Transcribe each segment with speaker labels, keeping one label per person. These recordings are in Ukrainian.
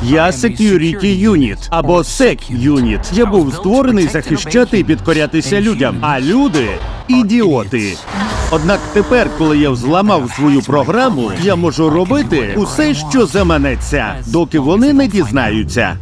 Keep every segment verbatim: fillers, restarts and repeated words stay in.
Speaker 1: Я Security Unit, або Sec Unit. Я був створений захищати і підкорятися людям, а люди – ідіоти. Однак тепер, коли я взламав свою програму, я можу робити усе, що заманеться, доки вони не дізнаються.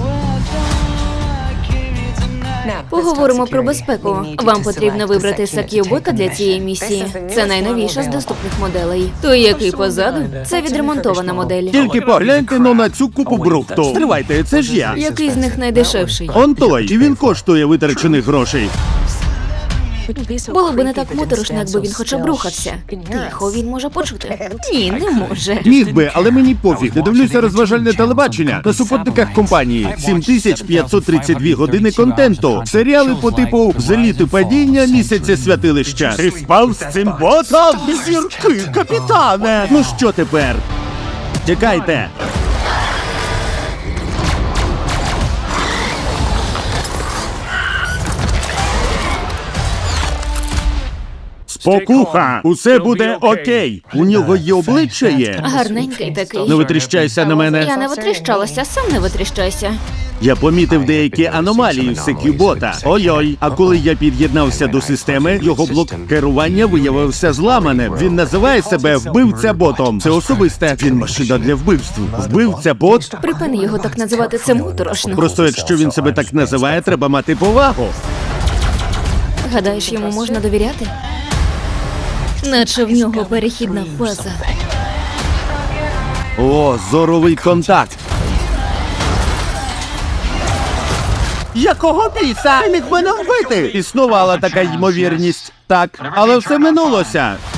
Speaker 2: Поговоримо про безпеку. Вам потрібно вибрати Сак'юбота для цієї місії. Це найновіша з доступних моделей. Той, який позаду, це відремонтована модель.
Speaker 1: Тільки погляньте но на цю купу брухту. Стривайте, це ж я.
Speaker 2: Який з них найдешевший?
Speaker 1: Он той, і він коштує витрачених грошей.
Speaker 2: Було б не так моторошно, якби він хоча б рухався. Тихо, він може почути. Ні, не може.
Speaker 1: Міг би, але мені пофіг. Не дивлюся розважальне телебачення. На супутниках компанії сім тисяч п'ятсот тридцять дві години контенту. Серіали по типу «Зліти падіння», «Місяця святилища». Ти спав з цим ботом? Зірки, капітане! Ну що тепер? Тікайте! Спокуха! Усе буде окей! У нього є обличчя є.
Speaker 2: Гарненький такий.
Speaker 1: Не витріщайся на мене.
Speaker 2: Я не витріщалася, сам не витріщайся.
Speaker 1: Я помітив деякі аномалії в Сек'юбота. Ой-ой. А коли я під'єднався до системи, його блок керування виявився зламаним. Він називає себе вбивця-ботом. Це особисте. Він машина для вбивств. Вбивця-бот?
Speaker 2: Припини його так називати, це моторошно.
Speaker 1: Просто якщо він себе так називає, треба мати повагу.
Speaker 2: Гадаєш, йому можна довіряти? Наче в нього перехідна фаза.
Speaker 1: О, зоровий контакт. Якого біса? Ти міг мене вбити? Існувала така ймовірність. Так, але все минулося.